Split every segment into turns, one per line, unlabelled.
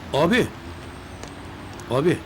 Abi. Abi.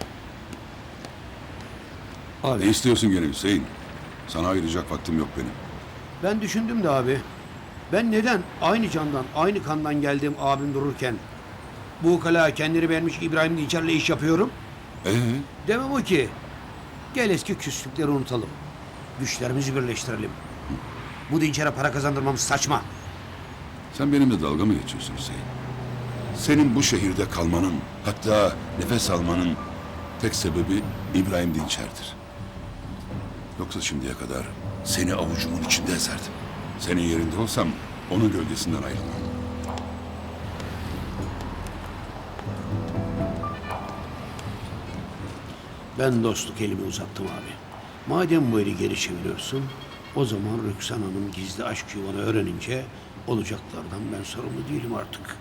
Ne
Abi.
istiyorsun gene Hüseyin? Sana ayıracak vaktim yok benim.
Ben düşündüm de abi. Ben neden aynı candan, aynı kandan geldiğim abim dururken bu ukala kendini beğenmiş İbrahim Dinçer'le iş yapıyorum? Demem o ki. Gel eski küslükleri unutalım. Güçlerimizi birleştirelim. Bu Dinçer'e para kazandırmamız saçma.
Sen benimle dalga mı geçiyorsun Hüseyin? Senin bu şehirde kalmanın, hatta nefes almanın tek sebebi İbrahim Dinçer'dir. Yoksa şimdiye kadar seni avucumun içinde ezerdim. Senin yerinde olsam onun gölgesinden ayrılmam.
Ben dostluk elimi uzattım abi. Madem bu eli geri çeviriyorsun, o zaman Rüksan Hanım gizli aşk yuvanı öğrenince olacaklardan ben sorumlu değilim artık.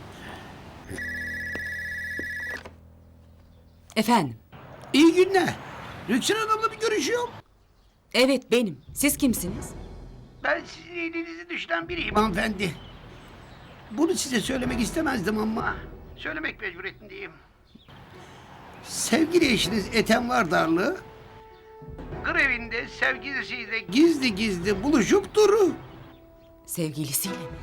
Efendim?
İyi günler. Rüksan Hanım'la bir görüşüyorum.
Evet benim. Siz kimsiniz?
Ben sizin elinizi düşüren biriyim hanımefendi. Bunu size söylemek istemezdim ama söylemek mecburiyetindeyim. Sevgili eşiniz Ethem Vardarlı grevinde sevgilisiyle gizli gizli buluşup duru.
Sevgilisiyle mi?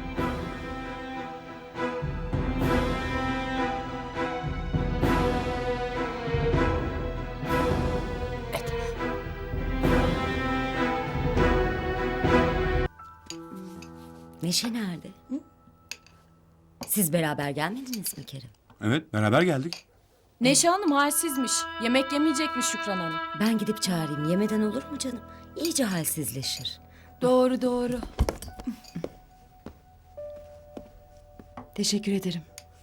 Evet.
Neşe nerede? Hı? Siz beraber gelmediniz mi Kerim?
Evet, beraber geldik.
Neşe Hanım halsizmiş. Yemek yemeyecekmiş Şükran Hanım.
Ben gidip çağırayım. Yemeden olur mu canım? İyice halsizleşir.
Doğru doğru.
Teşekkür ederim.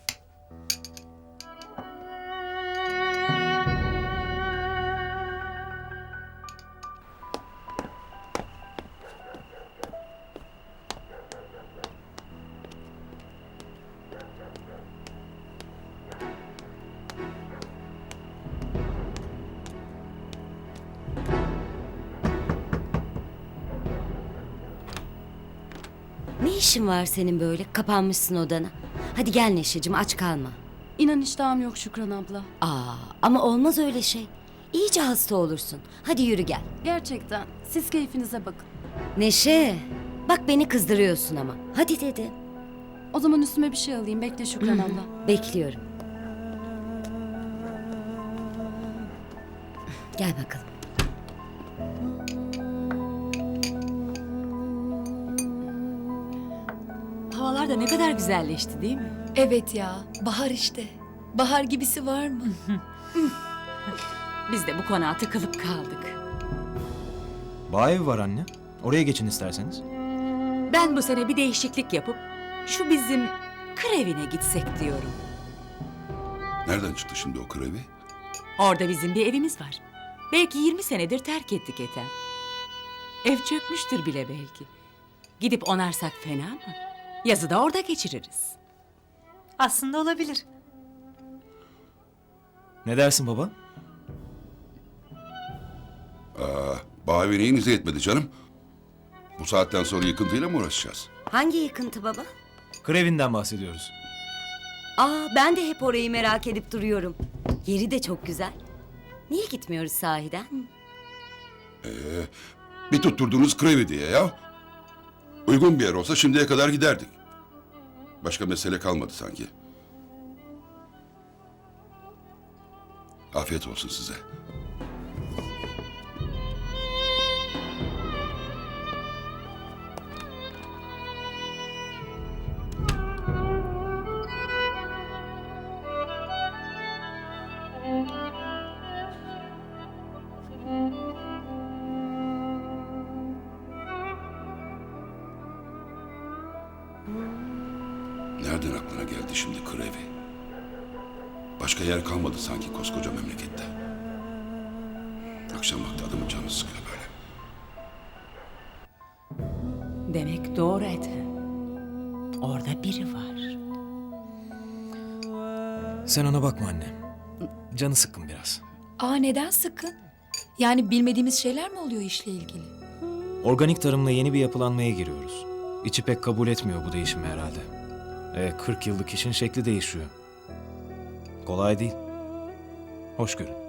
Ne işin var senin böyle? Kapanmışsın odana. Hadi gel Neşeciğim, aç kalma.
İnan iştahım yok Şükran abla.
Aa, ama olmaz öyle şey. İyice hasta olursun. Hadi yürü gel.
Gerçekten. Siz keyfinize bakın.
Neşe, bak beni kızdırıyorsun ama. Hadi dedi.
O zaman üstüme bir şey alayım. Bekle Şükran abla.
Bekliyorum. Gel bakalım.
Havalar da ne kadar güzelleşti değil mi?
Evet ya, bahar işte. Bahar gibisi var mı?
Biz de bu konağa tıkılıp kaldık.
Bağ evi var anne. Oraya geçin isterseniz.
Ben bu sene bir değişiklik yapıp şu bizim kır evine gitsek diyorum.
Nereden çıktı şimdi o krevi?
Orada bizim bir evimiz var. Belki 20 senedir terk ettik Ethem. Ev çökmüştür bile belki. Gidip onarsak fena mı? Yazı da orada geçiririz.
Aslında olabilir.
Ne dersin baba?
Bağ evi neyinize yetmedi canım? Bu saatten sonra yıkıntıyla mı uğraşacağız?
Hangi yıkıntı baba?
Krevinden bahsediyoruz.
Aa, ben de hep orayı merak edip duruyorum. Yeri de çok güzel. Niye gitmiyoruz sahiden?
Bir tutturdunuz krevi diye ya. Uygun bir yer olsa şimdiye kadar giderdik. Başka mesele kalmadı sanki. Afiyet olsun size. Nereden aklına geldi şimdi krevi? Başka yer kalmadı sanki koskoca memlekette. Akşam vakti adamın canı sıkıyor böyle.
Demek doğru Ethem. Orada biri var.
Sen ona bakma anne. Canı sıkkın biraz.
Aa, neden sıkın? Yani bilmediğimiz şeyler mi oluyor işle ilgili?
Organik tarımla yeni bir yapılanmaya giriyoruz. İçi pek kabul etmiyor bu değişimi herhalde. 40 yıllık işin şekli değişiyor. Kolay değil. Hoş görün.